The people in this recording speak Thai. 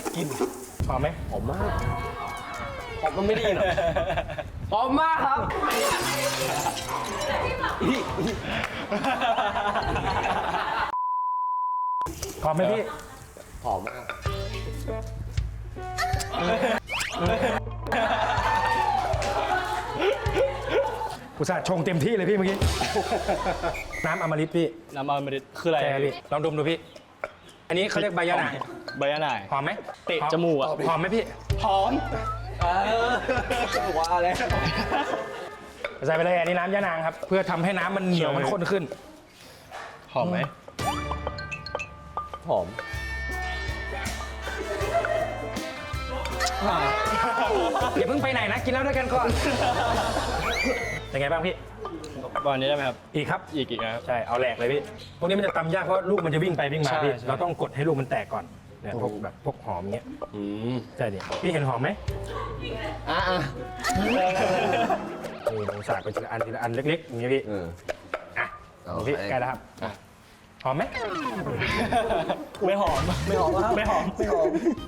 กินหอมไหมหอมมากหอมมันไม่ได้ยินหรอหอมมากครับหอมไหมพี่หอมมากอุตส่าห์ชงเต็มที่เลยพี่เมื่อกี้ น้ำอมฤตพี่น้ำมันมันคืออะไรใช่พี่ลองดมดูพี่ อันนี้เขาเรียกใบยะนางใบยะนางหอมไหมเตะจมูกอะหอมไหมพี่หอมว่าแล้วใส่ไปเลยอันนี้น้ำยะนางครับ เพื่อทำให้น้ำมันเหนียวมันข้นขึ้นหอมไหมหอมอย่าเพิ่งไปไหนนะ กินแล้วด้วยกันก่อน เป็นไงบ้างพี่วันนี้ได้ไหมครับอีกครับอีกนะครับใช่ เอาแหลกเลยพี่ พวกนี้มันจะตำยากเพราะลูกมันจะวิ่งไปวิ่งมาใช่พี่ใช่เราต้องกดให้ลูกมันแตกก่อน เนี่ยพวกแบบพวกหอมเงี้ย ใช่ดิพี่เห็นหอมไหมอ่ะนี่ลงสากไปทีละอันทีละอันเล็กๆอย่างเงี้ยพี่ อ่ะเอาพี่ไปใกล้แล้วครับ หอมไหมไม่หอมไม่หอมครับไม่หอม